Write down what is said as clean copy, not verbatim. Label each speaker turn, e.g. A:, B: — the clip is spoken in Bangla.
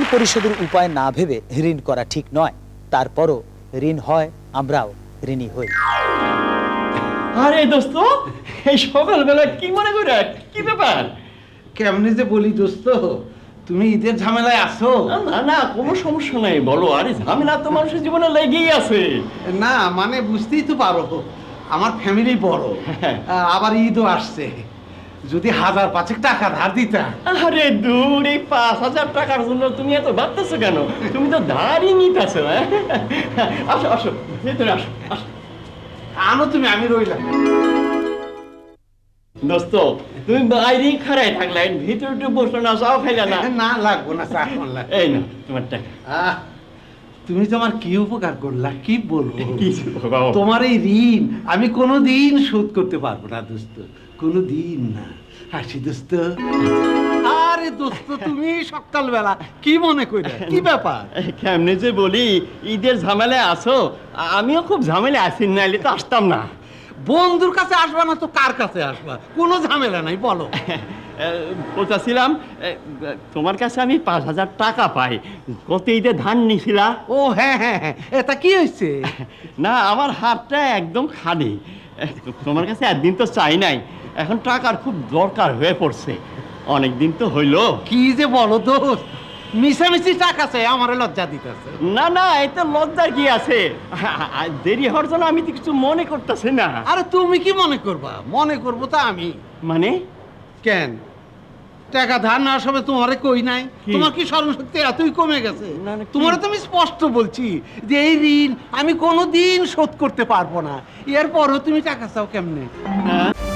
A: পরিশোধের উপায় না ভেবে ঋণ করা ঠিক নয়। তারপরও ঋণ হয়, আমরাও ঋণী হই।
B: আরে দোস্ত, এই সকালবেলা কি মনে করে, কি ব্যাপার?
C: কেমনি যে বলি দোস্ত, তুমি ঈদের ঝামেলায় আছো?
B: না না, কোনো সমস্যা নাই, বলো। আরে ঝামেলা তো মানুষের জীবনে লেগেই আছে।
C: না মানে বুঝতেই তো পারো, আমার ফ্যামিলি বড়, আবার ঈদও আসছে। যদি 1000-5 টাকা ধার দিতা।
B: আরে দূর, এই 5000 টাকার জন্য তুমি এত ভাবতেছো কেন? তুমি তো ধারই নিতেছো। আসো আসো, ভেতরে আসো আসো।
C: আনো তুমি, আমি রইলাম।
B: দোস্ত, তুমি বাইরেই খাড়াই থাকলে, ভিতরে একটু বসলো না, চাও খাইলে না?
C: না লাগবো না, চা করলাম।
B: এই না তোমার টাকা।
C: তুমি তো আমার কি উপকার করলা, কি বলবো।
B: কিছু বাবা,
C: তোমার এই ঋণ আমি কোনোদিন শোধ করতে পারবো না দোস্ত, কোনোদিন না। হাসি দোস্ত। আরে দোস্ত, তুমি সকালবেলা কি মনে করে, কি ব্যাপার?
B: কেমনে যে বলি, ঈদের ঝামেলায় আছো, আমিও খুব ঝামেলায় আছি, নাইলে তো আসতাম না।
C: বন্ধুর কাছে আসবা না তো কার কাছে আসবা? কোনো ঝামেলা নাই, বলো।
B: বলতেছিলাম, তোমার কাছে আমি 5000 টাকা পাই, গত ঈদে ধান নিছিলা।
C: ও হ্যাঁ হ্যাঁ হ্যাঁ, এটা কি হয়েছে?
B: না, আমার হাতটা একদম খালি। তোমার কাছে একদিন তো চাই নাই, এখন টাকার খুব দরকার হয়ে পড়ছে। অনেক দিন তো হইলো।
C: কি যে বলো দোস্ত, মিশামিশি টাকা চাই, আমার লজ্জা দিতেছে।
B: না না, এতে লজ্জার কি আছে? দেরি হওয়ার জন্য আমি তো কিছু মনে করতেছি না।
C: আরে তুমি কি মনে করবা? মনে করবো তা আমি।
B: মানে
C: কেন টাকা ধার নেওয়ার সময় তোমারে কই নাই? তোমার কি স্মরণশক্তি এতই কমে গেছে? তোমারে তো আমি স্পষ্ট বলছি যে এই ঋণ আমি কোনোদিন শোধ করতে পারবো না। এরপরও তুমি টাকা চাও কেমনে?